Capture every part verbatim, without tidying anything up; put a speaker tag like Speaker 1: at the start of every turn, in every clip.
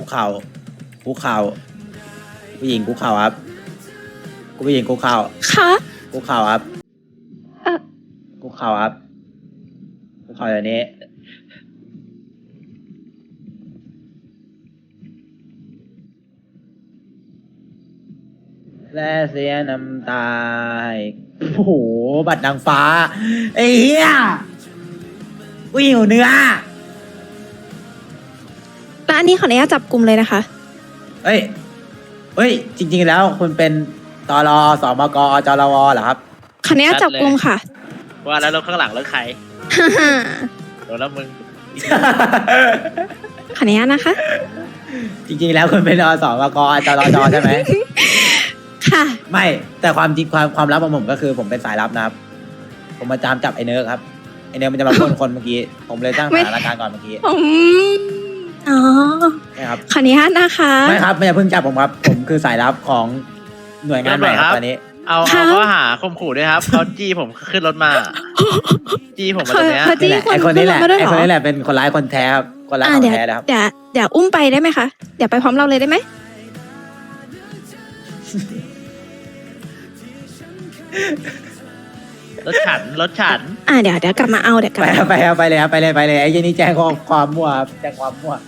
Speaker 1: คุกเข่าคุกเข่าผู้หญิงคุกเข่าครับผู้หญิงคุกเข่า
Speaker 2: ค่ะ
Speaker 1: คุกเข่าครับ
Speaker 2: เอ่อ
Speaker 1: คุกเข่าครับคุกเข่าอย่างนี้และเสียน้ำตาโอ้โหบัตรนางฟ้าไอ้เหี้ยกูหิวเนื้อ
Speaker 2: ร้านนี้ขออนุญาตจับกลุ่มเลยนะคะ
Speaker 1: เอ้ยเอ้ย จริงๆ แล้วคุณเป็นตรสมกจรวเหรอครับ
Speaker 2: ขออนุญาตจับกลุ่มค่ะ
Speaker 3: ว่าแล้วรถข้างหลังรถใคร
Speaker 2: ฮ่าฮ่า
Speaker 3: โดนแล้วมึง
Speaker 2: ขออนุญาตนะคะ
Speaker 1: จริงๆ แล้วคุณเป็นอสมกจรจใช่ไหม
Speaker 2: ค่ะ
Speaker 1: ไม่แต่ความจริงความความลับของผมก็คือผมเป็นสายลับนะครับ ผมมาจามจับไอ้เนิร์กครับไอ้เนิร์กมันจะมาพ่นคนเมื่อกี้ ผมเลยตั้ง
Speaker 2: ไม่
Speaker 1: สถานการณ์ก่อนเมื่อกี้
Speaker 2: ผมอ๋อ
Speaker 1: ใช่ครับ
Speaker 2: ขออนุญาตนะคะ
Speaker 1: ไม่ครับไม่อย่าเพิ่งจับผมครับ ผมคือสายลับของหน่วยงานใหม่ครับตอนนี้
Speaker 3: เอาเอาข้อหาข่มขู่ด้วยครับเขาจี้ผมขึ้นรถมา จี้ผมมาตรงเนี้ย
Speaker 2: เขา
Speaker 1: นี่
Speaker 2: จี้
Speaker 1: แหละ
Speaker 2: คน
Speaker 1: ไอ้คนนี้แหละ
Speaker 2: ขึ้นรถมาด้วยเหร
Speaker 1: ไอ้
Speaker 2: อ
Speaker 1: คนนี้แหละเป็นคนร้ายคนแท้ครับคนร้าย
Speaker 2: อ่า
Speaker 1: ของ
Speaker 2: เดี๋ยว
Speaker 1: แท้นะครับ
Speaker 2: เดี๋ยวเดี๋ยวอุ้มไปได้ไหมคะเดี๋ยวไปพร้อมเราเลยได้ไหม
Speaker 3: รถฉันรถฉัน
Speaker 2: อ่าเดี๋ยวเดี๋ยวกลับมาเอาเดี๋ยวกลับ
Speaker 1: ไป
Speaker 2: มา
Speaker 1: ครับไปครับไปเลยครับไปเลยไปเลยไอ้เจนี่แจ้งความความมั่วครับแจ้งความมั่ว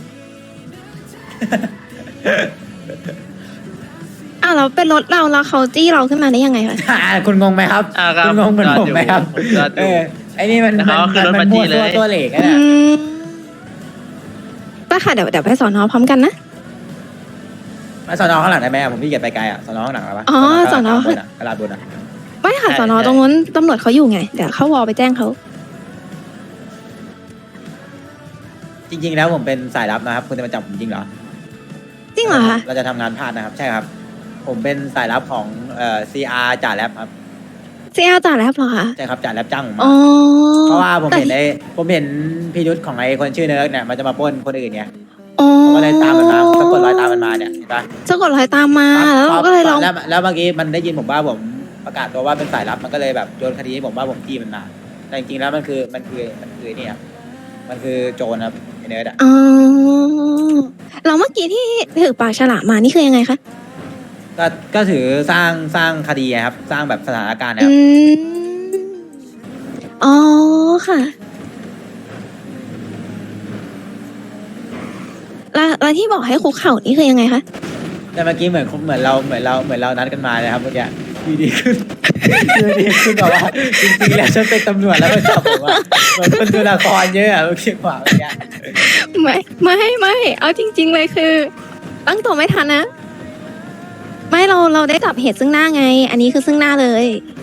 Speaker 2: อ้าวเราเป็นรถเราแล้วเขาจี้เราขึ้นมาได้ยังไงคะ
Speaker 1: อ่าคุณงงไหมครับ
Speaker 3: อ่าครับ
Speaker 1: คุณงงเหมือนผมไหมครับ
Speaker 3: ผมจอดอยู่
Speaker 1: เออไอ้นี่มัน
Speaker 3: แล้ว
Speaker 1: มัน
Speaker 3: เขาก็ขึ้นรถ
Speaker 1: มัน
Speaker 3: มาจี้
Speaker 1: มั่ว
Speaker 3: เลย
Speaker 1: ตัวตัวเหล็กอะ
Speaker 2: อื
Speaker 1: เนี่ย
Speaker 2: มไปค่ะเดี๋ยวเดี๋ยวไปสอนอพร้อมกันนะ
Speaker 1: มาสอนอข้างหลังได้ไหมอะผมพี่เกียจไปไกลอ่ะสอนอข้างหลังหรอปะ
Speaker 2: อ๋อสอนอ
Speaker 1: บนอะกระดาษบนอ่ะ
Speaker 2: ไม่ค่ะ
Speaker 3: ใช่
Speaker 2: สอนอ
Speaker 3: ใช่
Speaker 2: ตรงนู้นตำรวจเขาอยู่ไงเดี๋ยวเข้าวอลไปแจ้งเขา
Speaker 1: จริง ๆ แล้วผมเป็นสายลับนะครับคุณจะมาจับผมจริงเหรอ
Speaker 2: จริงเหรอคะ
Speaker 1: เราจะทำงานพลาดนะครับ ใช่ครับ ผมเป็นสายลับของเอ่อ ซี อาร์ จ่าแรปครับ
Speaker 2: เสียจ่าแล้วเหรอคะ
Speaker 1: ใช่ครับจ่าแรปจ้างผม
Speaker 2: อ๋
Speaker 1: มา
Speaker 2: อ
Speaker 1: เพราะว่าผมเห็น
Speaker 2: แต่
Speaker 1: ไอ้ผมเห็นพิรุษของไอ้คนชื่อเนิร์กเนี่ยมันจะมาปล้นคนอื่นไง
Speaker 2: อ๋อ
Speaker 1: ผมก็เลยตามมันมาผมสะกดรอยตามมันมาเนี่ยเห็นปะ
Speaker 2: สะกดรอยตามมาแล้วเราก็เลยลอง
Speaker 1: แล้วแล้วเมื่อกี้มันได้ยินผมว่าผมประกาศตัวว่าเป็นสายลับมันก็เลยแบบโยนคดีให้ผมว่าผมจี้มันมาแต่จริงๆแล้วมันคือมันคือมันคือนี่ครับมันคือโจรครับไอ้เนิร์ดอะ
Speaker 2: อ๋อเราเมื่อกี้ที่ถือปากฉลามมานี่คือยังไงคะ
Speaker 1: ก็ก็ถือสร้างสร้างคดีครับสร้างแบบสถานการณ์นะค
Speaker 2: อื
Speaker 1: รับ
Speaker 2: มอ๋อค่ะแล้วแล้วที่บอกให้คุกเข่านี่คือยังไงคะ
Speaker 1: แต่เมื่อกี้เหมือนเหมือนเราเหมือนเราเหมือนเรานัดกันมาเลยครับเมื่อกี้อยู่ดีขึ้นอยู่ดีขึ้นแบบว่าจริงๆแล้วฉันเป็นตำรวจแล้วมาจับผมว่าเหมือนคนดูละครเยอะอะเมื่อกี้กว่าเมื่อกี้
Speaker 2: ไม่ไม่ไม่เอาจริง ๆ เลยคือ ตั้งตัวไม่ทันนะ ไม่เราเราได้จับเหตุซึ่งหน้าไง อันนี้คือซึ่งหน้าเลย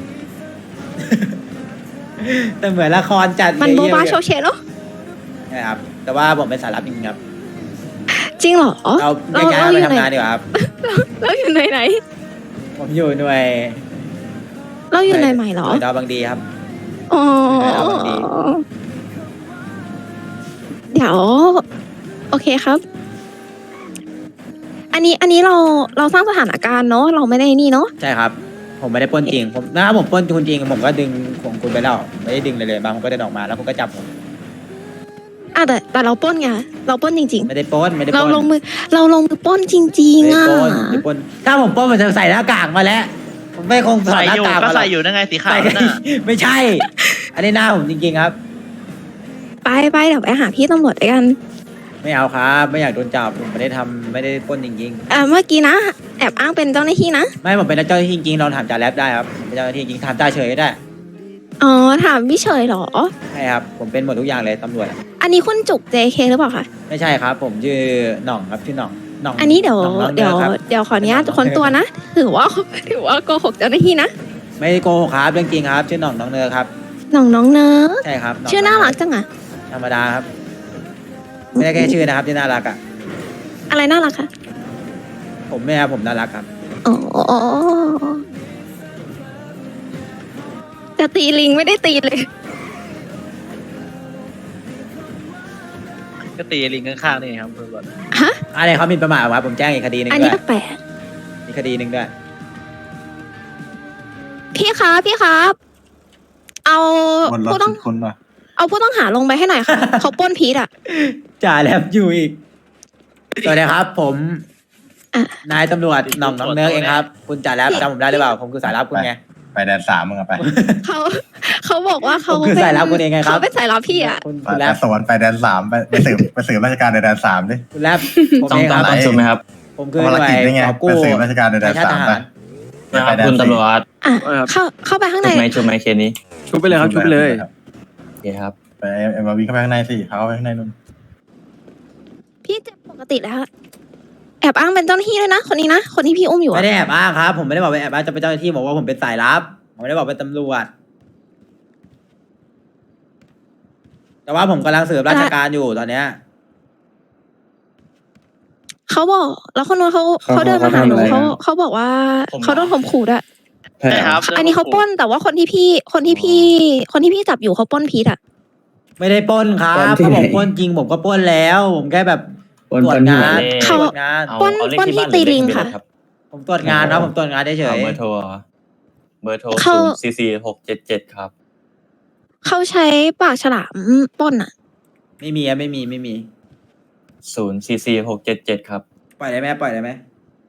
Speaker 1: แต่เหมือนละครจัด
Speaker 2: มันโบะบ้า
Speaker 1: เย
Speaker 2: โช
Speaker 1: อะ
Speaker 2: ว์เชะเนาะ
Speaker 1: ๆใช่ครับแต่ว่าผมเป็นสายลับจริงๆครับ
Speaker 2: จริงเหรอ
Speaker 1: เราแยกย้าย
Speaker 2: เรา
Speaker 1: ไป
Speaker 2: อยู่
Speaker 1: ทำ
Speaker 2: ไหน
Speaker 1: งานดีกว่าครับ
Speaker 2: เราอยู่ไหนไหน
Speaker 1: ผมอยู่หน่วย
Speaker 2: เราอยู่ไหนใหม่เหรอ
Speaker 1: หน่วยดาวบางดีครับ
Speaker 2: อ๋อ
Speaker 1: เอาบางที
Speaker 2: เดี๋ยว โอเคครับ อันนี้อันนี้เราเราสร้างสถานการณ์เนาะเราไม่ได้นี่เนาะ
Speaker 1: ใช่ครับ ผมไม่ได้ปล้นจริงผมถ้าผมปล้นคุณจริงผมก็ดึงของคุณไปแล้วไม่ได้ดึงเลยเลยบางผมก็เดินออกมาแล้วคุณก็จับผม
Speaker 2: อ่ะแต่แต่เราปล้นไงเราปล้นจริง
Speaker 1: ไม่ได้ปล้นไม่ได้
Speaker 2: ๆ
Speaker 1: ป
Speaker 2: เรา
Speaker 1: ล้น
Speaker 2: ลงมือ เราลงมือปล้นจริง
Speaker 1: ไม่
Speaker 2: ๆ
Speaker 1: ได้
Speaker 2: อ่ะ
Speaker 1: ปล้นไม่ได้ปล้นถ้าผมปล้นผมจะใส่หน้ากากมาแล้ว ผมไม่คงถอ
Speaker 3: ใส่
Speaker 1: ดหน้า
Speaker 3: อยู่
Speaker 1: กาก
Speaker 3: ก็
Speaker 1: มาหร
Speaker 3: ใส่
Speaker 1: อก
Speaker 3: อยู่นั่นไงสีขาว
Speaker 1: ใส่
Speaker 3: นั่นน่ะ
Speaker 1: ไม่ใช่ อันนี้หน้าผมจริงๆครับ
Speaker 2: ไปไปเดี๋ยวไปหาพี่ตำรวจด้วยกัน
Speaker 1: ไม่เอาครับ ไม่อยากโดนจับผมไม่ได้ทำไม่ได้ปล้นจริง
Speaker 2: เอ่อเมื่อกี้นะแอบอ้างเป็นเจ้าหน้าที่นะ
Speaker 1: ๆ ไม่ผมเป็นเจ้าหน้าที่จริงๆลองถามจ่าแรปได้ครับผมเป็นเจ้าหน้าที่จริงถามจ่าเฉยก็ได้
Speaker 2: อ๋อถามพี่เฉยเหรอ
Speaker 1: ใช่ครับผมเป็นหมดทุกอย่างเลยตำรวจอะ
Speaker 2: อันนี้คุณจุก เจ เค หรือเปล่าคะ
Speaker 1: ไม่ใช่ครับ ผมชื่อหน่องครับชื่อหน่องหน่อง
Speaker 2: อันนี้เดี๋ยว
Speaker 1: หน่องน้อง
Speaker 2: เดี๋ยว
Speaker 1: นิร์ดครับ
Speaker 2: เดี๋ยวขออนุญาตค้นตัวนะถือว่าถือว่าโกหกเจ้าหน้าที่นะ
Speaker 1: ไม่ได้โกหกครับเรื่องจริงครับชื่อหน่องน้องเนอร์ครับ
Speaker 2: น้องน้องเนอะ
Speaker 1: ใช่ครับหง
Speaker 2: ชื่อน่ารักจังอะ
Speaker 1: ธรรมดาครับ ไม่ได้แค่ชื่อนะครับที่น่ารักอ่ะ
Speaker 2: อะไรน่ารักคะ
Speaker 1: ผมไม่ครับผมน่ารักครับ
Speaker 2: อ๋อจะตีลิงไม่ได้ตีเลย
Speaker 3: ก็ตีลิงข้างๆนี่ครับตำรวจ
Speaker 2: ฮะ
Speaker 1: อะไรเขาหมินประมาทครับผมแจ้งอีกคดีหนึ่ง
Speaker 2: อัน
Speaker 1: ด้
Speaker 2: นี้
Speaker 1: วย
Speaker 2: แปลก
Speaker 1: อีกคดีหนึ่งด้วย
Speaker 2: ๆพี่ครับพี่ครับ เอา
Speaker 4: วนรถ
Speaker 2: ผู้ต้อง
Speaker 4: คุณป่ะ
Speaker 2: เอาผู้ต้องหาลงไปให้หน่อยค่ะ เขาปล้นพีทอ่ะ
Speaker 1: จ่าแลบอยู่อีกสวัสดีครับ ผม
Speaker 2: อ่ะ
Speaker 1: นายตำรวจหน่องน้องเนิร์กเองครับ คุณจ่าแรปจำผมได้หรือเปล่า ผมคือสายลับคุณไง
Speaker 4: ไปแดนสามมึงอะไป
Speaker 2: เขาเขาบอกว่าเขา
Speaker 1: ผมคือสายลับคุณเองไงครับ
Speaker 2: เขาเป็นสายลับพี่อ่ะ
Speaker 1: คุณ
Speaker 4: ไป
Speaker 1: คุณแร
Speaker 4: แด
Speaker 1: ป
Speaker 4: นสวรรค์ไปแดนสามไปไปสืบไปสืบราชการในแดนสามดิ
Speaker 1: คุณแรปผม
Speaker 5: ต้อง
Speaker 1: เอง
Speaker 5: ต้
Speaker 1: ค
Speaker 5: อง
Speaker 1: รับ
Speaker 5: ต้องชุบไหมครับ
Speaker 1: ผมคือ
Speaker 4: ภาร
Speaker 1: หน่ว
Speaker 4: กิจ
Speaker 1: ย
Speaker 4: นี่ไง
Speaker 1: กอบกู้
Speaker 4: ไปสืบราชการในแดน
Speaker 1: ชาติ
Speaker 4: สา
Speaker 1: ท
Speaker 4: มไป
Speaker 1: หาร
Speaker 5: นะครับคุณตำรวจ
Speaker 2: อ่ะเข้าเข้าไปข้างใน
Speaker 5: ชุบไหมชุบไหมเคสนี้
Speaker 6: ชุบไปเลยครับชุบไปเลย
Speaker 5: โอเคครับ
Speaker 4: ไปเอ็มวีเข้าไปข้างในสิเขาเข้าไปข้างในนู่น
Speaker 2: พี่เจ็บปกติแล้ว แอบอ้างเป็นเจ้าหน้าที่ด้วยนะ คนนี้นะ คนที่พี่อุ้มอยู่
Speaker 1: ไม่
Speaker 2: อะ
Speaker 1: ได้แอบอ้างครับ ผมไม่ได้บอกเป็นแอบอ้างจะเป็นเจ้าหน้าที่บอกว่าผมเป็นสายลับ ผมไม่ได้บอกเป็นตำรวจ แต่ว่าผมกำลังสืบราชการอยู่ตอนเนี้ย
Speaker 2: เขาบอก แล้วคนนู้นเขา
Speaker 6: เขา
Speaker 2: เขาเดินมาหาหนู
Speaker 6: เขาทำอะไร
Speaker 2: เขา
Speaker 6: อะ
Speaker 2: เขาบอกว่า
Speaker 5: ผม
Speaker 2: เขาโดนข่มขู่ด้วย
Speaker 6: ใช่
Speaker 3: ใช่
Speaker 6: ค
Speaker 3: ค
Speaker 6: รั
Speaker 3: รั
Speaker 6: บบ
Speaker 2: อันนี้เขาปล้น แต่ว่าคนที่พี่ คนที่พี่ คนที่พี่จับอยู่เขาปล้นพีทอ่ะ
Speaker 1: ไม่ได้ปล้นครับ
Speaker 6: ปล้นที่
Speaker 1: ถ้า
Speaker 6: ไหน
Speaker 1: ผมปล้นจริงผมก็ปล้นแล้ว ผมแค่แบบ
Speaker 6: ปล้น
Speaker 1: ตรวจ
Speaker 6: ปล้นที่
Speaker 1: งาน
Speaker 6: ไหน
Speaker 2: เขา
Speaker 1: ตรวจงาน
Speaker 5: เอา
Speaker 2: ปล้น
Speaker 5: เอาเลข
Speaker 2: ปล้น
Speaker 5: ที่บ้าน
Speaker 2: ที่
Speaker 5: หรือเลข
Speaker 2: ตีลิง
Speaker 5: ทะเบียน
Speaker 2: ค่ะ
Speaker 5: รถครับ
Speaker 1: ผมตรวจงานครับผมตรวจงานเฉ
Speaker 5: เอา
Speaker 1: ย
Speaker 5: เบอร์โทรเหรอเบอร์โทร
Speaker 2: เขา
Speaker 5: ศูนย์สี่สี่หกเจ็ดเจ็ดครับ
Speaker 2: เขาใช้ปากฉลามปล้นอ่ะ
Speaker 1: ๆไม่มีอะไม่มีไม่มี
Speaker 5: ศูนย์สี่สี่หกเจ็ดเจ็ดครับ
Speaker 1: ปล่อยได้ไหมปล่อยได้ไหม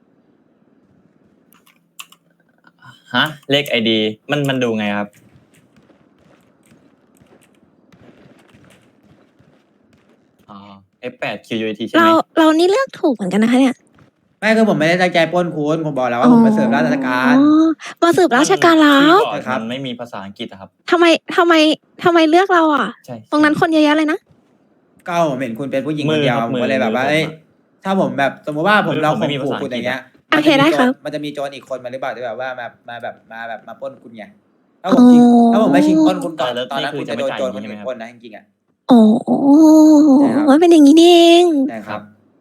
Speaker 5: ฮะ เลขไอดีมันมันดูไงครับ อ๋อ เอฟ แปด คิว ยู ที ใช่ไห
Speaker 2: เรา
Speaker 5: ม
Speaker 2: เรานี่เลือกถูกเหมือนกันนะคะเนี่ย
Speaker 1: ไม่คือผมไม่ได้ตั้งใจปล้นคุณผมบอกแล้วว่าผมมาเสิร์ฟราชการ
Speaker 2: อ๋อมาสืบราชการแล้ว
Speaker 5: ที่บอก
Speaker 1: ครับ
Speaker 5: มันไม่มีภาษาอังกฤษอะครับ
Speaker 2: ทำไมทำไมทำไมเลือกเราอ่ะ
Speaker 5: ใช่
Speaker 2: ตรงนั้นคนเยอะแยะเลยนะ
Speaker 1: ก็ผมเห็นคุณเป็นผู้หญิง
Speaker 5: มื
Speaker 1: คน
Speaker 5: อ
Speaker 1: เดียว
Speaker 5: ครับ
Speaker 1: ผมก็เลยแบบว่า
Speaker 5: มือ
Speaker 1: เอ้ย
Speaker 5: ผมอะ
Speaker 1: ถ้าผมแบบสมมติว่าผม
Speaker 5: มือ
Speaker 1: เรา
Speaker 5: ผม
Speaker 1: ข่
Speaker 5: ไม่
Speaker 1: ม
Speaker 5: มี
Speaker 1: ขู่
Speaker 5: ภาษา
Speaker 1: คุณอย่างเงี้ย
Speaker 2: โอเคได้ครับ
Speaker 1: มันจะมีโจรอีกคนมาหรือเปล่าที่แบบว่าแบบมาแบบมาแบบมาปล้นคุณไงถ้าผมชิง
Speaker 2: อ๋อ
Speaker 1: ถ้าผมไม่ชิงปล้นคุณก่อน
Speaker 5: แล้ว
Speaker 1: ตอนนั้น
Speaker 5: นี่
Speaker 1: คุณ
Speaker 5: คือ
Speaker 1: จะโดน
Speaker 5: จะไม่
Speaker 1: โจรคน
Speaker 5: จ่าย
Speaker 1: อื่น
Speaker 5: ใช่ไหมครับ
Speaker 1: ปล้นนะจริงๆอ่ะ
Speaker 2: โอ้
Speaker 1: ใช่ครับ
Speaker 2: มันเป็นอย่างนี้นี่เอง
Speaker 1: ใช่ครับ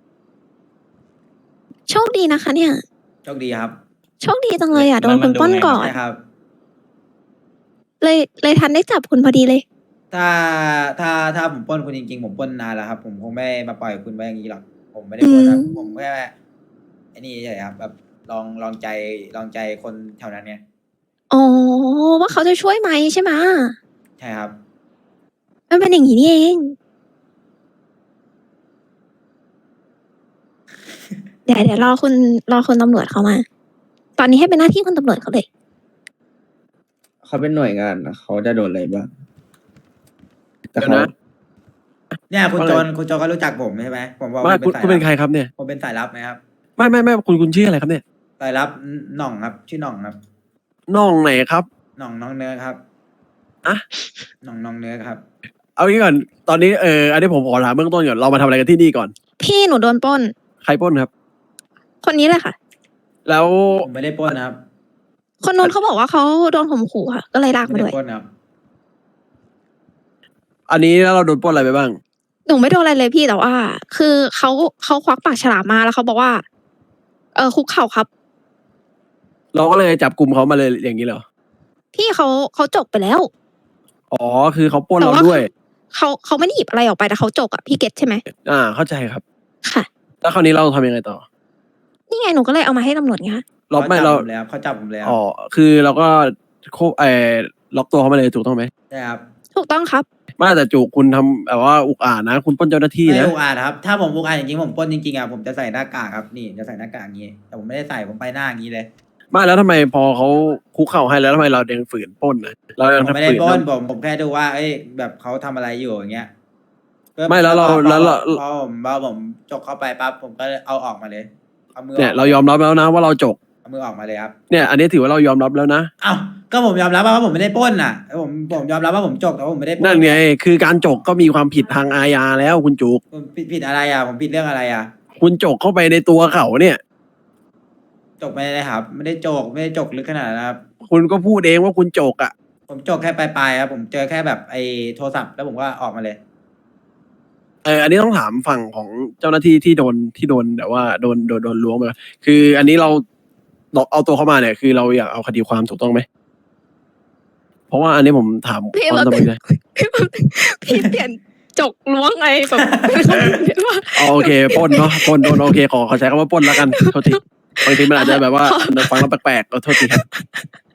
Speaker 2: โชคดีนะคะ เนี่ย
Speaker 1: โชคดีครับ
Speaker 2: โชคดีจังเลยอ่ะโดน
Speaker 5: มั
Speaker 2: คุ
Speaker 5: น
Speaker 2: ณ
Speaker 5: ดู
Speaker 2: ปล้น
Speaker 5: ไง
Speaker 2: ก่อน
Speaker 1: ใช่ครับ
Speaker 2: เลยเลยทันได้จับคุณพอดีเลย
Speaker 1: ถ้าถ้าถ้าผมปล้นคุณจริงๆผมปล้นนานแล้วครับ ผมคงไม่มาปล่อยคุณไว้อย่างนี้หรอกผมไม่ได้ปล้นนะ
Speaker 2: อืม
Speaker 1: ผมแค่ไอ้นี่เฉยๆครับแบบลองลองใจลองใจคนแถวนั้นเนี่ย
Speaker 2: อ๋อว่าเขาจะช่วยไหมใช่ไหม
Speaker 1: ใช่ครับ
Speaker 2: มันเป็นอย่างนี้นี่เอง เดี๋ยวเดี๋ยวรอคุณรอคุณตำรวจเขามา ตอนนี้ให้เป็นหน้าที่คุณตำรวจเขาเลย
Speaker 6: เขาเป็นหน่วยงานนะเขาจะโดนอะไรบ้างแต่
Speaker 7: เดี๋ยว
Speaker 6: เขา
Speaker 7: นะ
Speaker 1: เนี่ยคุณ
Speaker 7: ว่า
Speaker 1: โจ
Speaker 7: ไง
Speaker 1: รคุณโจรก็รู้จักผมใช่ไหมผมบอก
Speaker 7: ไม่
Speaker 1: ผม
Speaker 7: คุณ
Speaker 1: เป็น
Speaker 7: คุณ
Speaker 1: สาย
Speaker 7: เป็นใครครับเนี่ย
Speaker 1: ผมเป็นสายลับไหมครับ
Speaker 7: ไม่ไม่ไม่คุณคุณชื่ออะไรครับเนี่ย
Speaker 1: สายลับหน่องครับ ชื่อหน่องครับ
Speaker 7: น้องไหนครับ
Speaker 1: หน่องน้องเนื้อครับ
Speaker 7: อะ
Speaker 1: หน่องน้องเนื้อครับ
Speaker 7: เอางี้ก่อนตอนนี้เอออันนี้ผมขอถามเบื้องต้นก่อนเรามาทำอะไรกันที่นี่ก่อน
Speaker 2: พี่หนูโดนปล้น
Speaker 7: ใครปล้นครับ
Speaker 2: คนนี้เลยค่ะ
Speaker 7: แล้ว
Speaker 1: ผมไม่ได้ปล้นนะครับ
Speaker 2: คนนู้นเขาบอกว่าเขาโดนข่มขู่ค่ะ ก็เลยลาก
Speaker 1: ไม่
Speaker 2: มา
Speaker 1: ได้
Speaker 2: ด้วย
Speaker 1: ปล้นครับ
Speaker 7: อันนี้แล้วเราโดนปล้นอะไรไปบ้าง
Speaker 2: หนูไม่โดนอะไรเลยพี่แต่ว่า คือเขาเขาควักปากฉลามมาแล้วเขาบอกว่า เออคุกเข่าครับ
Speaker 7: เราก็เลยจับกลุ่มเขามาเลยอย่างนี้เหรอ
Speaker 2: พี่เขาเขาจกไปแล้ว
Speaker 7: อ๋อคือเขาปล้น
Speaker 2: แต่
Speaker 7: เรา
Speaker 2: ว่า
Speaker 7: ด้วย
Speaker 2: เขาเขาไม่ได้หยิบอะไรออกไปแต่เขาจกอะพี่เก็ตใช่ไหม
Speaker 7: อ่าเข้าใจครับ
Speaker 2: ค่ะ
Speaker 7: แล้วคราวนี้เราทำยังไงต่อ
Speaker 2: นี่ไงหนูก็เลยเอามาให้ตำรวจไงคะ
Speaker 7: เราไม่
Speaker 1: จับ
Speaker 7: เรา
Speaker 1: ผมแล้วเขาจับผมแล้ว
Speaker 7: อ๋อคือเราก็โคเออล็อกตัวเขามาเลยถูกต้องไหม
Speaker 1: ใช่ครับ
Speaker 2: ถูกต้องครับ
Speaker 7: ไม่แต่จูคุณทำแบบว่าอุกอาจนะ คุณปล้นเจ้าหน้าที่
Speaker 1: ไม่
Speaker 7: นะ
Speaker 1: อุกอาจครับ ถ้าผมอุกอาจจริงๆผมปล้นจริงๆอ่ะผมจะใส่หน้ากากครับนี่จะใส่หน้ากากอย่างนี้ แต่ผมไม่ได้ใส่ผมไปหน้าอย่างนี้เลย
Speaker 7: ไม่แล้วทำไมพอเขาคุกเข่าให้แล้วทำไมเรายังฝืนปล้นนะเรายัง
Speaker 1: ผมไม่ได้
Speaker 7: ฝืน
Speaker 1: ปล้น
Speaker 7: ทำ
Speaker 1: ผมผมแค่ดูว่าเอ้ยแบบเขาทำอะไรอยู่อย่างเงี้ย
Speaker 7: ไม่แล้วเรา
Speaker 1: พอ
Speaker 7: แล้วเรา
Speaker 1: พอผมพอผมจกเข้าไปปั๊บผมก็เอาออกมาเลยเอามืออ
Speaker 7: เนี่ย
Speaker 1: อก
Speaker 7: เรายอมรับแล้วนะว่าเราจก
Speaker 1: เอามือออกมาเลยครับ
Speaker 7: เนี่ย อันนี้ถือว่าเรายอมรับแล้วนะ
Speaker 1: เอ้าก็ผมยอมรับว่าผมไม่ได้ปล้นน่ะผมผมยอมรับว่าผมจกแต่ว่าผมไม่ได้ปล้น
Speaker 7: นั่นไงคือการจกก็มีความผิดทางอาญาแล้วคุณจุก
Speaker 1: ผมผิดผิดอะไรอ่ะผมผิดเรื่องอะไรอ่ะ
Speaker 7: คุณจกเข้าไปในตัวเขาเนี่ย
Speaker 1: จกไม่ได้ครับ ไม่ได้จกไม่ได้จกลึกขนาดนั้นครับ
Speaker 7: คุณก็พูดเองว่าคุณจกอ่ะ
Speaker 1: ผมจกแค่ปลายๆครับผมเจอแค่แบบไอ้โทรศัพท์แล้วผมก็ออกมาเลย
Speaker 7: เอออันนี้ต้องถามฝั่งของเจ้าหน้าที่ที่โดนที่โดนแต่ว่าโดนโดนโดนล้วงมาคืออันนี้เราเราเอาตัวเข้ามาเนี่ย คือเราอยากเอาคดีความถูกต้องไหมเพราะว่าอันนี้ผมถาม
Speaker 2: พี่
Speaker 7: ความ
Speaker 2: เรา
Speaker 7: สบายใจ
Speaker 2: พี่เปลี่ยนจกล้วงไงแบบว่า
Speaker 7: อ๋อโอเคปล้นเนาะปล้นปล้นโอเคขอขอใช้คำว่าปล้นแล้วกันโทษทีบางทีมันอาจจะแบบว่าฟังแล้วแปลกๆก็โทษทีครับ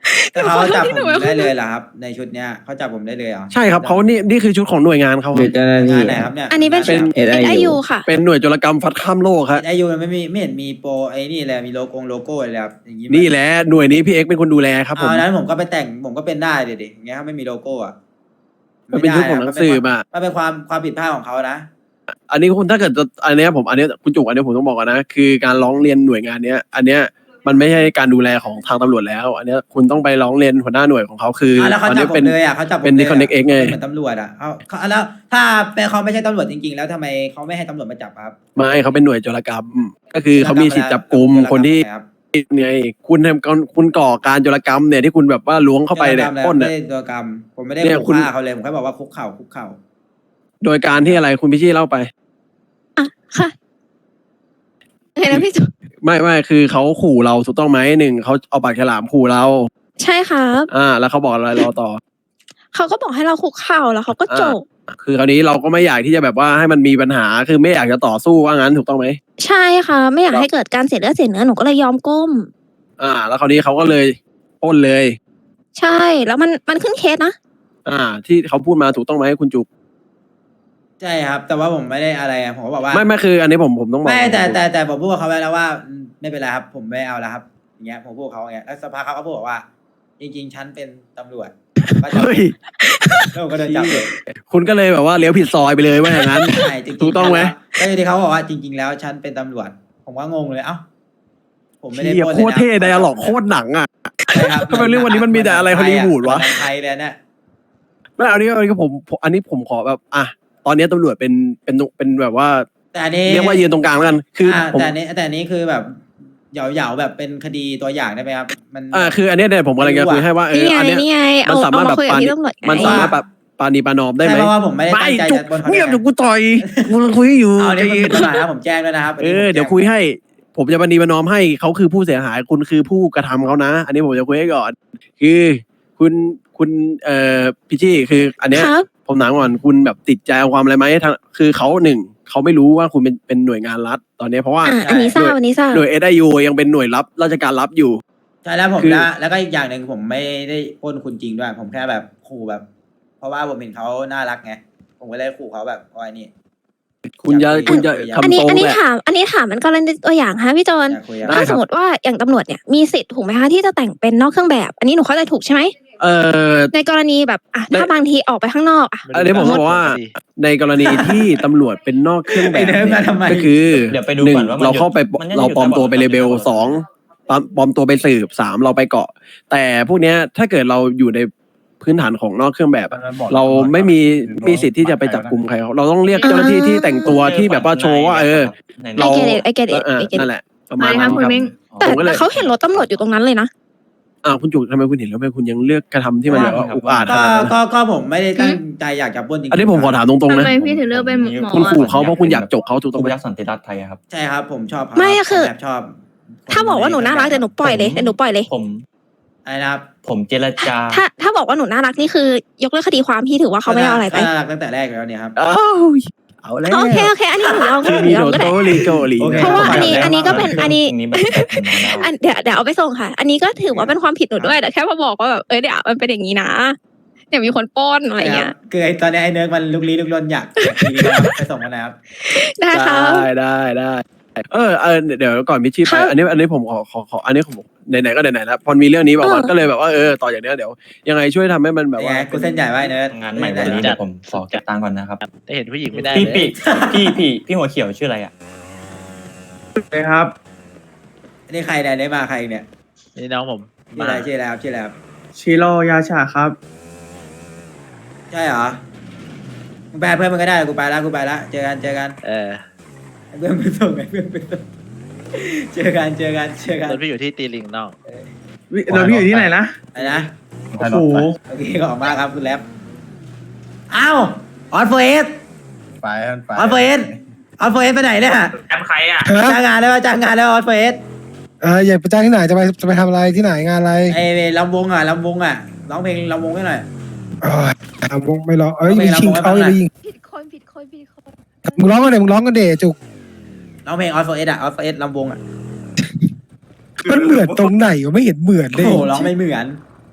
Speaker 1: แต่เขาจับ
Speaker 2: ที่
Speaker 1: ผ
Speaker 2: หนู
Speaker 1: ม
Speaker 2: เป็นคน
Speaker 1: ได้เลยเหรอครับ ในชุดเนี้ยเขาจับผมได้เลยเหรอ
Speaker 7: ใช่ครับเขานี่นี่คือชุดของหน่วยงานเขา
Speaker 6: หรือเจ้าหน้าที่
Speaker 1: งานไหนครับเนี่ย
Speaker 2: อันนี้เป็น
Speaker 6: เป็น
Speaker 2: เอ
Speaker 6: เอส
Speaker 2: ไอ
Speaker 6: ไอ
Speaker 2: ยูค่ะ
Speaker 7: เป็นหน่วยโจรกรรมฟัดข้ามโลกครับ
Speaker 1: ไอยูมันไม่มีไม่เห็นมีโปรไอ้นี่เลยมีโลโก้โลโก้อะไรครับอย่างงี้
Speaker 7: นี่แหละหน่วยนี้พี่เอ็กซ์เป็นคนดูแลครับผม
Speaker 1: เอานั้นผมก็ไปแต่งผมก็เป็นได้เดี๋ยวดิอย่างเงี้ยถ้าไม่มีโลโก้อะ
Speaker 7: มันเป็นยุคของหนังสือมา
Speaker 1: มันเป็นความความผิดพลาดของเขานะ
Speaker 7: อันนี้คุณถ้าเกิดจะอันเนี้ยผมอันเนี้ยคุณจุกอันเนี้ยผมต้องบอกก่อนนะคือการร้องเรียนหน่วยงานเนี้ย อันเนี้ยมันไม่ใช่การดูแลของทางตำรวจแล้ว อันเนี้ยคุณต้องไปร้องเรียนหัวหน้าหน่วยของเขาคือ
Speaker 1: อ่ะแล้วเขา
Speaker 7: ตอน
Speaker 1: จับ
Speaker 7: นี้
Speaker 1: ผ
Speaker 7: เป็
Speaker 1: ม
Speaker 7: น
Speaker 1: เลยอ่ะเขาจับผม
Speaker 7: เป็น
Speaker 1: ลยะ
Speaker 7: Disconnect X ไง
Speaker 1: เหมือนตำรวจอ่ะเขาเขาแล้วถ้าเป็นเขาไม่ใช่ตำรวจจริง ๆ แล้วทำไมเขาไม่ให้ตำรวจมาจับครับ
Speaker 7: ไม่เขาเป็นหน่วยโจรกรรม ก็คือเขามีสิทธิ์จับกลุ่มคนที่
Speaker 1: ครับ
Speaker 7: ไงคุณทำคุณก่อการโจรกรรมเนี่ยที่คุณแบบว่าล้วงเข้าไปเนี่ย
Speaker 1: โจรกรรม
Speaker 7: ปล้น
Speaker 1: ไม่
Speaker 7: เนี่ย
Speaker 1: ได้โจรกรรมผมไม่ได้
Speaker 7: เนี่ย
Speaker 1: ขู่
Speaker 7: คุณ
Speaker 1: ฆ่าเขาเลยผมแค่บอกว่าคุกเข่าคุกเข่า
Speaker 7: โดยการที่อะไรคุณพิชี่เล่าไป
Speaker 2: อ่ะค่ะไงนะพี่จุ๊บ
Speaker 7: ไม่ไม่คือเขาขู่เราถูกต้องไหมหนึ่งเขาเอาปากฉลามขู่เรา
Speaker 2: ใช่ครับ
Speaker 7: อ่า แล้วเขาบอกอะไรเราต่อ
Speaker 2: เขาก็บอกให้เราคุกเข่าแล้วเขาก็จบ
Speaker 7: คือคราวนี้เราก็ไม่อยากที่จะแบบว่าให้มันมีปัญหาคือไม่อยากจะต่อสู้ว่างั้นถูกต้องไหม
Speaker 2: ใช่ค่ะ ไม่อยากให้เกิดการเสียเลือดเสียเนื้อหนูก็เลยยอมก้ม
Speaker 7: อ่า แล้วคราวนี้เขาก็เลยปล้นเลย
Speaker 2: ใช่แล้วมันมันขึ้นเคสนะ
Speaker 7: อ่า ที่เขาพูดมาถูกต้องไหมคุณจุก
Speaker 1: ใช่ครับ แต่ว่าผมไม่ได้อะไรอะผมก็บอกว่า
Speaker 7: ไม่ไม่คือ อันนี้ผมผมต้องบอก
Speaker 1: ไม่แต่แต่แต่ผมพูดกับเขาไปแล้วว่าอืมไม่เป็นไรครับ ผมไม่เอาแล้วครับ อย่างเงี้ยผมพูดกับเขาอย่างเงี้ยแล้วสภาเขาก็พูดบอกว่า จริง ๆ ฉันเป็นตำรวจก็จับ
Speaker 7: เฮ้ย
Speaker 1: แล้วผมก็โดนจับเลย
Speaker 7: คุณก็เลยแบบว่าเลี้ยวผิดซอยไปเลยว่าอย่างนั้น
Speaker 1: ใช่จริงๆ
Speaker 7: ถูกต้องไหม
Speaker 1: ก็ที่เขาบอกว่าจริง ๆ แล้วฉันเป็นตำรวจ ผมก็งงเลยเอ้าผมไม่ได้
Speaker 7: เหี้ย
Speaker 1: ปล้น
Speaker 7: โค
Speaker 1: ลย
Speaker 7: ตร
Speaker 1: นะ
Speaker 7: เท่ไดอะล็อกโคตรหนังอ่ะ
Speaker 1: ใช่ครับ
Speaker 7: ทำไมเรื่องวันนี้มันมีแต่อะไรฮอลลีวูดวะ
Speaker 1: หนังไทยเลยเนี่ย
Speaker 7: ไม่เอาอันนี้อันนี้ผมผมอันนี้ผมขอแบบอ่ะตอนนี้ตำรวจเป็นเป็นเป็นแบบว่า
Speaker 1: แต่อันนี้
Speaker 7: เรียกว่ายืนตรงกลางแล้วกันคืออา ผม
Speaker 1: แต่อันนี้แต่อันนี้คือแบบเหยาๆแบบเป็นคดีตัวอย่างได้ไหมครับ มัน
Speaker 7: อ่าคืออันเนี้ยเนี่ยผมกำลังจะคุยให้ว่าเอ
Speaker 2: นี่
Speaker 7: อ
Speaker 2: ไง
Speaker 7: อันเนี้ย
Speaker 2: นี่ไง
Speaker 7: มั
Speaker 2: เอา
Speaker 7: นสา
Speaker 2: เอา
Speaker 7: มารถ
Speaker 2: มา
Speaker 7: แบบ
Speaker 2: คุยกับพี่ตำรวจไง
Speaker 7: มันสามารถแบบปานีปานอมได้ไหม
Speaker 1: ใช่เพราะว่าผมไม่ได้
Speaker 7: ไม่
Speaker 1: ตั้งใจ
Speaker 7: จุก
Speaker 1: จะบนเขา
Speaker 7: เงียบ
Speaker 1: แน่
Speaker 7: เดี๋ยวกูต่อยกูกำลังคุยอยู่
Speaker 1: เอาเนี่ย
Speaker 7: ใจ
Speaker 1: มัน
Speaker 7: เย็
Speaker 1: เป็น
Speaker 7: น
Speaker 1: ปัญหานะผมแจ้งด้วยนะครับ
Speaker 7: เออเดี๋ยวคุยให้ ผมจะปานีปานอมให้เขาคือผู้เสียหายคุณคือผู้กระทำเขานะ อันนี้ผมจะคุยให้ก่อน คือคุณคุณเอ่อพี่ชี่คือ อันเนี้ย
Speaker 2: ครับ
Speaker 7: ผมถามก่อนคุณแบบติดใจเอาความอะไรไหมทางคือเขาหนึ่งเขาไม่รู้ว่าคุณเป็นเป็นหน่วยงานรัฐตอนนี้เพราะว่า
Speaker 2: อ่ะอันนี้ทราบอันนี้ทราบ
Speaker 7: หน่วยเอสไอยูยังเป็นหน่วยรับราชการรับอยู่
Speaker 1: ใช่แล้วผม
Speaker 7: คือ
Speaker 1: แล้วแล้วก็อีกอย่างหนึ่งผมไม่ได้ปล้นคุณจริงด้วย ผมแค่แบบขู่แบบ เพราะว่าผมเห็นเขาน่ารักไงผมก็เลยขู่เขาแบบว่าไอ้นี่
Speaker 7: คุณจะ
Speaker 1: อยากคุย
Speaker 7: คุณจะ
Speaker 1: อยาก
Speaker 2: อัน
Speaker 7: ทำ
Speaker 2: นี้
Speaker 7: ตรง
Speaker 2: อันนี้
Speaker 7: แหละ
Speaker 2: ถาม อันนี้ถามมันกรณีตัวอย่างฮะพี่โจน
Speaker 1: อยากคุยอะ
Speaker 7: ได้
Speaker 2: ถ้า
Speaker 7: ค
Speaker 2: ส
Speaker 7: รับ
Speaker 2: มมติว่าอย่างตำรวจเนี่ยมีสิทธิ์ถูกไหมคะที่จะแต่งเป็นนอกเครื่องแบบ อันนี้หนูเข้าใจถูกใช่ไหม
Speaker 7: เออ
Speaker 2: ในกรณีแบบอ่ะถ้าบางทีออกไปข้างนอกอ่ะ
Speaker 7: อันนี้ผมบอกว่า ในกรณีที่ตำรวจเป็นนอกเครื่องแบบ
Speaker 1: ไอ้เดินมาทำไม
Speaker 7: ก็คือ
Speaker 5: เดี๋ยวไปดู
Speaker 7: หนึ่ง
Speaker 5: ก่อนว่ามัน
Speaker 7: เราเข้าไป
Speaker 5: มันน่าจะ
Speaker 7: เราปลอมตัวไป
Speaker 5: อยู่
Speaker 7: เลเบล
Speaker 5: ระหว่าง
Speaker 7: สองปลอมปลอมตัวไปสืบสามเราไปเกาะ แต่พวกเนี้ยถ้าเกิดเราอยู่ในพื้นฐานของนอกเครื่องแบบอะเราไม่มีมีสิทธิ์ที่จะไปจับกลุ่มใครเขาเราต้องเรียกเจ้าหน้าที่ที่แต่งตัวที่แบบว่าโชว์ว่าเออ
Speaker 5: ใน
Speaker 2: ไอ
Speaker 7: เรา
Speaker 2: เกตไอเกต
Speaker 7: เออเออ
Speaker 2: ไอเกต
Speaker 7: นั่นแหละประมาณนั้น
Speaker 2: คุณมิ้ง แต่
Speaker 7: ผมก็เลย
Speaker 2: แต่เขาเห็นรถตำรวจอยู่ตรงนั้นเลยนะ
Speaker 7: อ่าคุณจุกทำไมคุณเห็นแล้วทำไมคุณยังเลือกกระทำที่มันแบบว่าอุกอาจข
Speaker 1: ก็
Speaker 7: นาดนั้น
Speaker 1: ก็ก็ผมไม่ได้ตั้งใจอยากจะปล้นจริงๆ
Speaker 7: อันนี้ผมขอถามตรงๆนะ
Speaker 8: ทำไมพี่ถึงเลือกเป็นหมอ
Speaker 7: คุณขู่เขาเพราะคุณอยากจกเขาถูกต้อง
Speaker 5: ผู้
Speaker 7: ไหม
Speaker 5: ยักษ์สันติรัฐไทยอะครับ
Speaker 1: ใช่ครับ ผมชอบเขา
Speaker 2: ไม่อะคือ
Speaker 1: ผมแบบชอบ
Speaker 2: ถ้าบอกว่าหนูน่ารักเดี๋ยวหนูปล่อยเลยเดี๋ยวหนูปล่อยเลย
Speaker 5: ผม
Speaker 1: อะไรนะครับ
Speaker 5: ผมเจรจา
Speaker 2: ถ้าถ้าบอกว่าหนูน่ารักนี่คือยกเลิกคดีความพี่ถือว่าเขาไม่ได้เอาอะไรไป
Speaker 1: น่ารักตั้งแต่แรกแล้วเนี่ยครับ
Speaker 7: อ้าวเอาแล้ว
Speaker 2: โอเคโอเค อันนี้หนูยอมก็
Speaker 7: คือ
Speaker 2: หนู
Speaker 7: มี
Speaker 2: ยอ
Speaker 7: โด
Speaker 2: มก็
Speaker 7: โต
Speaker 2: ได้
Speaker 7: ริโกริ
Speaker 1: โอเค
Speaker 2: เพราะว่าอันนี้อันนี้ก็เป็นอันนี้
Speaker 5: นี้มันเป็นผมมาได้
Speaker 2: อันเดี๋ยวเดี๋ยวเอาไปส่งค่ะ อันนี้ก็ถือว่าเป็นความผิดหนูด้วยแต่แค่มาบอกว่าแบบเอ้ยเดี๋ยวมันเป็นอย่างนี้นะเดี๋ยวมีคนปล้นอะไรเงี้ย
Speaker 1: คือไอ้ตอนนี้ไอ้เนิร์กมันลุกลี้ลุกลนอยากอยากทีนี้นะครับไปส่งกันนะครับ
Speaker 2: ได้ค่ะ
Speaker 7: ได้ได้ได้เออเออเดี๋ยวก่อนมิชชี่ไป
Speaker 2: ครับ
Speaker 7: อันนี้อันนี้ผมขอขอขออันนี้ผมไหนๆก็ไหนๆแล้วพอมีเรื่องนี้บอกว่า
Speaker 2: เออ
Speaker 7: ก็เลยแบบว่าเออต่อจากเนี้ยเดี๋ยวยังไงช่วยทำให้มันแบบ
Speaker 1: เป็น
Speaker 7: ว่า
Speaker 1: ไงกูเส้นใหญ่ไว้เนิร์ก
Speaker 5: งานใหม่วันนี้เดี๋ยวผมขอเก็บตังค์ก่อนนะครับ
Speaker 3: ได้เห็นผู้หญิงไม่ได้
Speaker 5: พี่
Speaker 3: เลย
Speaker 5: ปีพี่พี่พี่หัวเขียวชื่ออะไรอ่ะ
Speaker 6: ครับ
Speaker 1: อันนี้ใครเนี่ยได้มาใครเนี่ย
Speaker 3: นี่น้องผม
Speaker 1: ชื่ออะไรชื่ออะไรครับชื่ออะไรครับ
Speaker 6: ชิโร่ยาชาครับ
Speaker 1: ใช่เหรอมึงไปหาเพื่อนมึงก็ได้กูไปแล้วกูไปแล้วเจอกันเจอกัน
Speaker 3: เออ
Speaker 1: ให้เพื่อนไปส่งให้เพื่อนไปส่งเจอกันเจอกันเจอกัน
Speaker 3: รถพี่อยู่ที่ตีลิงน้อง
Speaker 6: เราพี่อยู่ที่ไหนนะ
Speaker 1: อะไรนะ
Speaker 4: โอ้โห
Speaker 1: โอเคขอบคุณมากครับคุณแรปอ้าวออนโฟเอส
Speaker 4: ไปไป
Speaker 1: ออนโฟเอสออนโฟเอสไปไหนเนี่ย
Speaker 6: แอมใครอ่ะ
Speaker 1: จ้างงานได้ป่ะจ้างงานได้ป่ะออนโฟเอส
Speaker 9: เอออยากไปจ้างที่ไหนจะไปจะไปทำอะไรที่ไหนงานอะไร
Speaker 1: ไอ้ลำวงอ่ะลำวงอ่ะร้องเพลงลำวงให้หน่อย
Speaker 9: เออทำวงไม่ร้องเอ้ย
Speaker 1: ไม่
Speaker 9: มี
Speaker 1: ร้อง
Speaker 9: ชิง
Speaker 1: ไม่
Speaker 9: เขา
Speaker 1: ร้อง
Speaker 9: อย่าไปยิง
Speaker 2: ผิดคนผิดคนผิดคน
Speaker 9: มึงร้องกันเดมึงร้องกันเดจุก
Speaker 1: ร้องเพลงออนโฟเอสอ่ะออนโฟเอสลำวงอ่ะ
Speaker 9: มันเหมือนตรงไหนวะไม่เห็นเหมือนเล
Speaker 1: โอ้
Speaker 9: ย
Speaker 1: โหร้องไม่เหมือน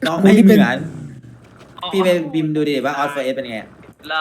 Speaker 1: น้องไม่เหมือนพี่ไปบิมดูดิว่าออสเฟอร์เอสเป็นไง
Speaker 5: ได้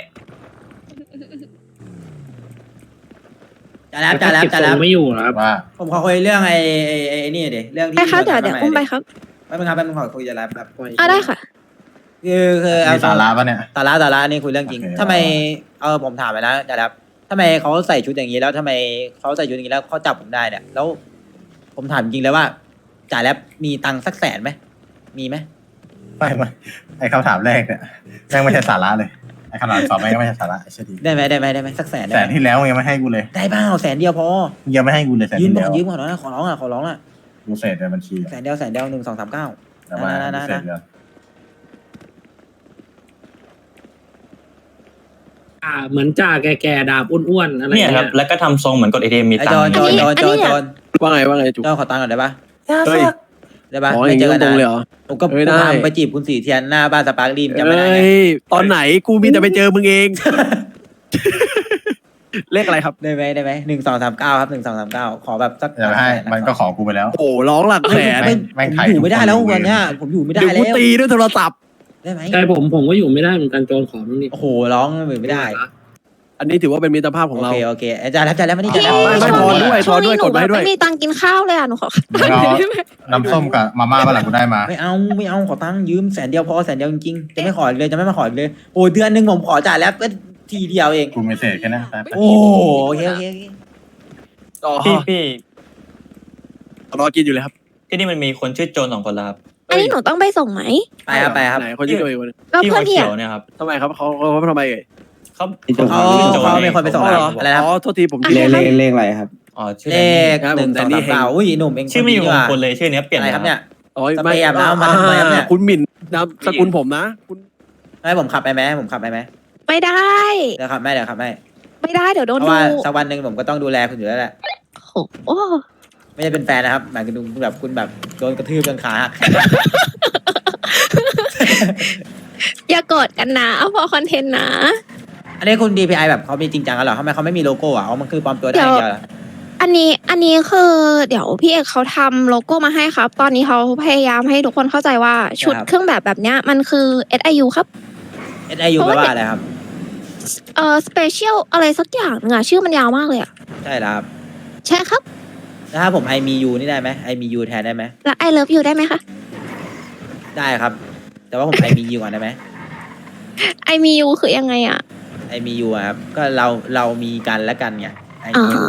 Speaker 1: จ่าแล้วจ่าแล้วจ่าแล้ว
Speaker 8: ไม่อยู่ครับ
Speaker 4: ว่า
Speaker 1: ผมขอคุยเรื่องไอ้ไอ้ไอ้ไอ้นี่ดิเรื่องที่
Speaker 2: ไปครับเดี๋ยวเดี๋ยวอุ้มไปครับ
Speaker 1: แป๊บนึงครับแป๊บนึงขอคุยจ่าแล้วแบบ
Speaker 2: อ่ะได้ค่ะ
Speaker 1: คือคือเอา
Speaker 4: มีสาระปะเนี่ย
Speaker 1: สาระสาระนี่คุยเรื่องจริง
Speaker 4: โอเค
Speaker 1: ทำไมเออผมถามไปแล้วจ่าแล้วทำไมเขาใส่ชุดอย่างนี้แล้วทำไมเขาใส่ชุดอย่างนี้แล้วเขาจับผมได้เนี่ยแล้ว ผมถามจริงเลยว่าจ่าแล้วมีตังค์สักแสนไหมมีไหม
Speaker 4: ไม่ไม่ไอคำถามแรกเนี่ยแม่งไม่ใช่สาระเลยไอคำถามสองแม่งก็ไม่ใช่สาระไอ้เชยดี
Speaker 1: ได้ไหมได้ไหมได้ไหมสักแสนได้
Speaker 4: แส
Speaker 1: ไห
Speaker 4: น
Speaker 1: ม
Speaker 4: ที่แล้วมึงยังไม่ให้กูเลย
Speaker 1: ได้เปล่าแสนเดียวพอ
Speaker 4: มึงยังไม่ให้กูเลยแสน
Speaker 1: ยืม
Speaker 4: ที่
Speaker 1: ก่อ
Speaker 4: แล้
Speaker 1: น
Speaker 4: ว
Speaker 1: ยืมก่อนนะขอร้องอ่ะขอร้องอ่ะ
Speaker 4: กูเศษในบัญชี
Speaker 1: แสนเดียวแสนเดียวหนึ่งสองสามเก้า
Speaker 4: แต่ว่า
Speaker 1: นะนะ
Speaker 4: กูเศษ
Speaker 1: นะ
Speaker 4: เดียว
Speaker 8: อ่า เหมือนจ่าแก่ๆดาบอ้วนๆอะไร
Speaker 5: เนี่ยครับ แล้วก็ทำทรงเหมือนกดเอทีเอ็มมี
Speaker 1: ไอ้
Speaker 5: ตั
Speaker 1: จ
Speaker 5: ง
Speaker 1: อน
Speaker 5: ค์
Speaker 1: จอนจอน
Speaker 2: อัน
Speaker 1: จ
Speaker 2: นี้
Speaker 1: อน
Speaker 2: อันนี้
Speaker 1: จอน
Speaker 7: ว่าไงว่าไงจุก
Speaker 1: จอนขอตังค์ก่อนได้ปะ
Speaker 7: เฮ้ย
Speaker 1: ได้ปะ
Speaker 7: อ๋ออ
Speaker 1: ไม่
Speaker 7: ย่าง
Speaker 1: เจ
Speaker 7: นี้
Speaker 1: อกัน
Speaker 7: ตรงๆเลย
Speaker 1: นะ
Speaker 7: เหรอ
Speaker 1: ผมก็
Speaker 7: เอ้ยได้
Speaker 1: พาไปจีบคุณสีเทียนหน้าบ้านสปาร์คลีมจำไม่ได้ไง
Speaker 7: เอ้ยตอนไหนกูมีแต่ไปเจอมึงเอง เลขอะไรครับ
Speaker 1: ได้ไหมได้ไหมหนึ่งสองสามเก้าครับหนึ่งสองสามเก้าขอแบบสัก
Speaker 4: อย่าไปให้มันก็ขอกูไปแล้ว
Speaker 7: โอ้โหร้องหลักแสน
Speaker 1: ไม่
Speaker 4: แม่ง
Speaker 1: ผม
Speaker 4: ไถ่
Speaker 1: อยู่ไม่ได้แล้ว
Speaker 4: ทุกคน
Speaker 1: วันเนี้ยผมอยู่ไม่ได้
Speaker 7: เดี๋ยว
Speaker 1: แล้
Speaker 7: กู
Speaker 1: ว
Speaker 7: ตีด้วยโทรศัพท์
Speaker 1: ได้ไหม
Speaker 8: ใช่ผมผมก็อยู่ไม่ได้เหมือนกันโจรขอมันนี่
Speaker 1: โอ้โหร้องอยู่ไม่ได้
Speaker 7: อันนี้ถือว่าเป็นมิตรภาพของ
Speaker 1: โอ
Speaker 7: เรา
Speaker 1: เคโอเคอาจารย์รับอาจารย์แล้วไม่ได้จ่าย
Speaker 7: ไม่ไม่พอด้วย
Speaker 2: ช่วงนี้
Speaker 7: ด้วย
Speaker 2: หนู
Speaker 7: กดไว้
Speaker 2: แบบ
Speaker 7: ด้วย
Speaker 2: ไม่มีตังค์กินข้าวเลยอ่ะหนูขอ
Speaker 4: มึงเอาน้ำส้มกับมาม่ามาหลังกูได้มา
Speaker 1: ไม่เอาไม่เอาขอตังค์ยืมแสนเดียวพอแสนเดียวจริงๆจะไม่ขออีกเลยจะไม่มาขออีกเลยโอ้เดือนหนึ่งผมขอจ่ายแล้วก็ทีเดียวเอง
Speaker 4: กูไม่เศษแค่นั้นไปไป
Speaker 1: โอ้โอเคโอเคโอเค
Speaker 7: อ๋อ
Speaker 5: พี่พี่
Speaker 7: รอกินอยู่เลยครับ
Speaker 5: ที่นี่มันมีคนชื่อโจนสองคนแล้วครับ
Speaker 2: อันนี้หนูต้องไปส่งไหม
Speaker 1: ไปครับไปครับ
Speaker 7: ไหนคนที่โดนอีกคนหนึ่ง
Speaker 2: ก็
Speaker 5: พี่
Speaker 2: เพื่
Speaker 5: หั
Speaker 2: อน
Speaker 5: ว
Speaker 2: พี่
Speaker 5: เขี
Speaker 2: อ่ะ
Speaker 5: ยวเนี่ยครับ
Speaker 7: ทำไมครับเขาเขาเขาทำไมเอ่ย
Speaker 5: เขา
Speaker 6: พี่โจน
Speaker 1: เขา
Speaker 5: ชื่อโจน
Speaker 1: เขาเป็นคนไปส่ง
Speaker 7: อ๋อ
Speaker 1: เรา
Speaker 7: เหรอ
Speaker 1: อะไรนะครับ
Speaker 7: อ๋อโทษทีผม
Speaker 6: เลขเลขเลขอะไรครับ
Speaker 5: อ๋อชื่อ
Speaker 1: เล
Speaker 5: แดนนี่
Speaker 1: ขหนึ่งสองสามเก้าอุ้ยหนุ่มเอง
Speaker 5: ชื่อไม่อยู่
Speaker 1: คน
Speaker 5: ม
Speaker 1: นี้
Speaker 5: ง
Speaker 1: ว่ะ
Speaker 5: คลเลยชื่อเนี้ยเปลี่ยน
Speaker 1: อะไร
Speaker 5: แล้ว
Speaker 1: ครับเนี่ย
Speaker 7: โอ้ย
Speaker 1: สเปรย์อาบน้ำมาทำไมครับเนี่ย
Speaker 7: คุณหมิ่นนามสกุลผมนะ คุณ
Speaker 1: ให้ผมขับไปไหมให้ผมขับไปไหม
Speaker 2: ไม่ได้
Speaker 1: เดี๋ยวขับไม่เดี๋ยวขับไม่
Speaker 2: ไม่ได้เดี๋ยวโด
Speaker 1: เพ
Speaker 2: น
Speaker 1: ราะ
Speaker 2: ดู
Speaker 1: ว่าสักวันหนึ่งผมก็ต้องดูแลคุณอยู่แล้วแหละ
Speaker 2: โอ้โอ้
Speaker 1: ไม่ใช่เป็นแฟนนะครับหมายถึงคุณแบบคุณแบบโดนกระทืบจนขาหัก
Speaker 2: อย่าโกรธกันนะเอาพอคอนเทนต์นะ
Speaker 1: อันนี้คุณ ดี พี ไอ แบบเขามีจริงจังกันเหรอทำไมเขาไม่มีโลโก้อ่ะอ๋อมันคือปลอมตัวได้อย่างเดียวเหรอ
Speaker 2: อันนี้อันนี้คือเดี๋ยวพี่เอกเขาทำโลโก้มาให้ครับ ตอนนี้เขาพยายามให้ทุกคนเข้าใจว่าชุดเครื่องแบบแบบเนี้ยมันคือ เอส ไอ ยู ครับ
Speaker 1: เอส ไอ ยู แปลว่าอะไรครับ
Speaker 2: เอ่อ special อะไรสักอย่างนึงอะชื่อมันยาวมากเลยอะ
Speaker 1: ใช่แล้วครับ
Speaker 2: ใช่ครับ
Speaker 1: แล้วถ้าผมไอมียูนี่ได้ไหมไอมียูแทนได้ไหม
Speaker 2: แล้ว I love you ได้ไหมคะ
Speaker 1: ได้ครับ แต่ว่าผมไอมียูก่อนได้ไหม
Speaker 2: I me you คือยังไงอะ
Speaker 1: ไอมียูครับก็เราเรามีกันและกันไงไอ
Speaker 2: อ๋อ
Speaker 1: มียู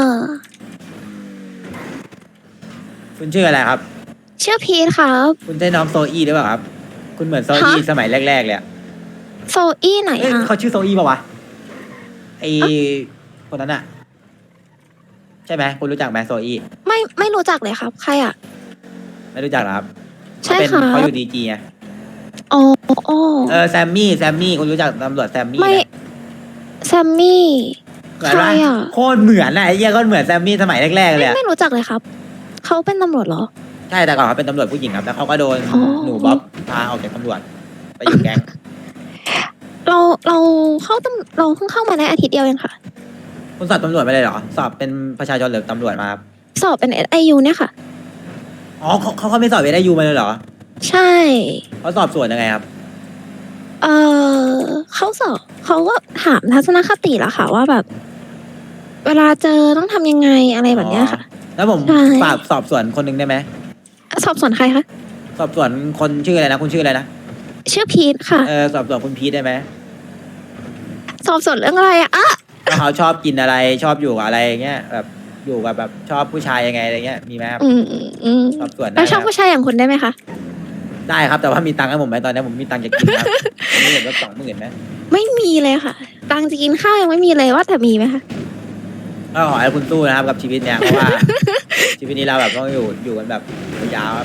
Speaker 1: คุณชื่ออะไรครับ
Speaker 2: ชื่อพีทครับ
Speaker 1: คุณใช่น้องโซอี้หรือเปล่าครับ คุณเหมือนโซอี้
Speaker 2: ฮะ
Speaker 1: สมัยแรกๆเลยอะ
Speaker 2: โซอี้ไหน
Speaker 1: เอ้ย
Speaker 2: อะ
Speaker 1: เขาชื่อโซอี้ป่าวะไอคนนั้นอะใช่ไหมคุณรู้จักไหมโซอี้
Speaker 2: ไม่ไม่รู้จักเลยครับ ใครอะ
Speaker 1: ไม่รู้จักเหรอครับ
Speaker 2: ใช่
Speaker 1: เขาเป็น
Speaker 2: ครับ
Speaker 1: เขาอยู่ดีจีไง
Speaker 2: อ๋ออ๋อ
Speaker 1: เออแซมมี่แซมมี่คุณรู้จักตำรวจแซมมี่
Speaker 2: ไม่
Speaker 1: ไหม
Speaker 2: แซมมี่
Speaker 1: เหมือน
Speaker 2: ใคร
Speaker 1: ปะ
Speaker 2: อะ
Speaker 1: โคตรเหมือนอะไอ้เหี้ยก็เหมือนแซมมี่สมัยแรกๆเลย
Speaker 2: ไม่
Speaker 1: อะ
Speaker 2: ไม่รู้จักเลยครับ เขาเป็นตำรวจเหรอ
Speaker 1: ใช่แต่ก่อนเขาเป็นตำรวจผู้หญิงครับแล้วเขาก็โดน
Speaker 2: อ๋อ
Speaker 1: หนูบ๊อบพาออกจากตำรวจไปอยู่แก๊ง
Speaker 2: เราเราเข้าตำเราเพิ่งเข้ามาในอาทิตย์เดียวเองค่ะ
Speaker 1: คุณสอบตำรวจไปเลยเหรอสอบเป็นประชาชนหรือตำรวจมาครับ
Speaker 2: สอบเป็น เอส ไอ ยู เนี่ยค่ะ
Speaker 1: อ๋อเขาเขาเขาไม่สอบเอได้ยูมาเลยเหรอ
Speaker 2: ใช่
Speaker 1: เขาสอบสวนยังไงครับ
Speaker 2: เออเขาสอบเขาก็ถามทัศนคติละค่ะ ว่าแบบ เวลาเจอต้องทำยังไงอะไรแบบเนี้ยค่ะ
Speaker 1: แล้วผม
Speaker 2: ใช่
Speaker 1: ฝากสอบสวนคนหนึ่งได้ไหม
Speaker 2: สอบสวนใครคะ
Speaker 1: สอบสวนคนชื่ออะไรนะคุณชื่ออะไรนะ
Speaker 2: ชื่อพีทค่ะ
Speaker 1: เออสอบสวนคุณพีทได้ไหม
Speaker 2: สอบสวนเรื่องอะไรอะอ่ะ
Speaker 1: ว่าเขาชอบกินอะไรชอบอยู่กับอะไรอย่างเงี้ยแบบอยู่กับแบบชอบผู้ชายยังไงอะไรเงี้ยมีไหมครับ
Speaker 2: อืมอืมอืม
Speaker 1: สอบสวนได้
Speaker 2: แล้วชอบ
Speaker 1: ไหม
Speaker 2: ผู้ชายอย่างคุณได้ไหมคะ
Speaker 1: ได้ครับแต่ว่ามีตังค์ให้ผมไหมตอนนี้ผมมีตังค์จะกินครับผมมีเห็นว่าสองหมื่นไหม
Speaker 2: ไม่มีเลยค่ะ ตังค์จะกินข้าวยังไม่มีเลยว่าแต่มีไหมคะ
Speaker 1: ก็ขอให้คุณสู้นะครับกับชีวิตเนี่ยเพราะว่า ชีวิตนี้เราแบบต้องอยู่อยู่กันแบบยาวๆครับ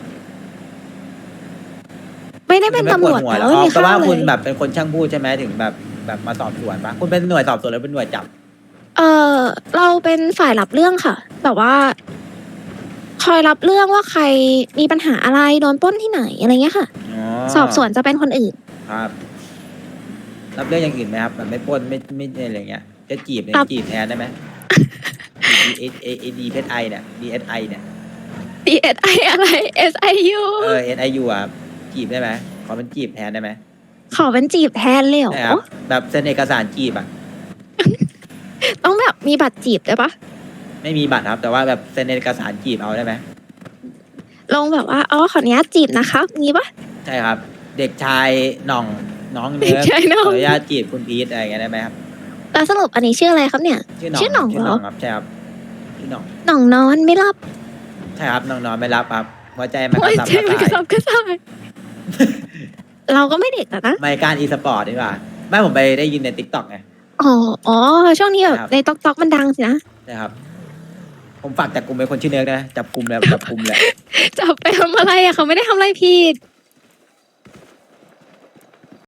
Speaker 2: ไม่ได้เป็นตำรวจ
Speaker 1: ไม่ปดหั
Speaker 2: แต่
Speaker 1: หรอ
Speaker 2: ว่ามี
Speaker 1: แต่
Speaker 2: ข้า
Speaker 1: ว่าว
Speaker 2: เล
Speaker 1: คุณ
Speaker 2: ย
Speaker 1: แบบเป็นคนช่างพูดใช่ไหมถึงแบบแบบมาสอบสวนปะคุณเป็นหน่วยสอบสวนหรือเป็นหน่วยจับ
Speaker 2: เออเราเป็นฝ่ายรับเรื่องค่ะ แต่ว่า คอยรับเรื่องว่าใครมีปัญหาอะไรโดนปล้นที่ไหนอะไรเงี้ยค่ะ
Speaker 1: อ๋อ
Speaker 2: สอบสวนจะเป็นคนอื่น
Speaker 1: ครับ รับเรื่องอย่างอื่นไหมครับแบบไม่ปล้นไม่ไม่อะไรเงี้ยจะจีบเนี่ย
Speaker 2: ครับ
Speaker 1: จีบแทนได้ไหม เอเอเอดีเพชไอเนี่ยดีเอสไอเนี่ย
Speaker 2: D S I อะไร S I U
Speaker 1: เออ S I U อ่ะจีบได้ไหมขอเป็นจีบแทนได้ไหม
Speaker 2: ขอเป็นจีบแทนเลยเหร
Speaker 1: ใช่ค
Speaker 2: อ
Speaker 1: รับแบบเซ็นเอกสารจีบอ่ะ
Speaker 2: ต้องแบบมีบัตรจีบได้ปะ
Speaker 1: ไม่มีบัตรครับ แต่ว่าแบบเซ็นเอกสารจีบเอาได้ไหม
Speaker 2: ลงแบบว่าอ๋อขออนุญาตจีบนะครับงี้ปะ
Speaker 1: ใช่ครับ เด็กชายหน่องน้อง
Speaker 2: เด็
Speaker 1: เนื้
Speaker 2: ก
Speaker 1: อ
Speaker 2: ชายหน่อง
Speaker 1: ขออนุญาตจีบคุณพีทอะไรอย่างเงี้ยได้ไหมครับ
Speaker 2: แล้วสรุปอันนี้ชื่ออะไรครับเนี่ย
Speaker 1: ชื่อหน่อง
Speaker 2: ชื่อหน่องเหรอ
Speaker 1: ครับใช่ครับชื่อหน่อง
Speaker 2: หน่องนอนไม่รับ
Speaker 1: ใช่ครับน้องนอนไม่รับครับหัวใจมันก
Speaker 2: โอ้
Speaker 1: ระ
Speaker 2: ย
Speaker 1: สับ
Speaker 2: ใจ
Speaker 1: ก
Speaker 2: มันก
Speaker 1: ระ
Speaker 2: ระสั
Speaker 1: ส่าย
Speaker 2: บกระส่าย เราก็ไม่เด็กอะนะ
Speaker 1: ไม่การอีสปอร์ตดีกว่าไม่ผมไปได้ยินในติ๊กต็อกไง
Speaker 2: อ๋ออ๋อช่วงนี้แบบ
Speaker 1: ครับ
Speaker 2: ในต๊อกต๊อกมันดังสินะ
Speaker 1: ใช่ครับ ผมฝากจับกลุ่มเป็นคนชื่อเนิร์กนะจับกลุ่มแล้วจับกลุ่มแล้ว
Speaker 2: จะไปทำอะไรอะเขาไม่ได้ทำอะไรผิด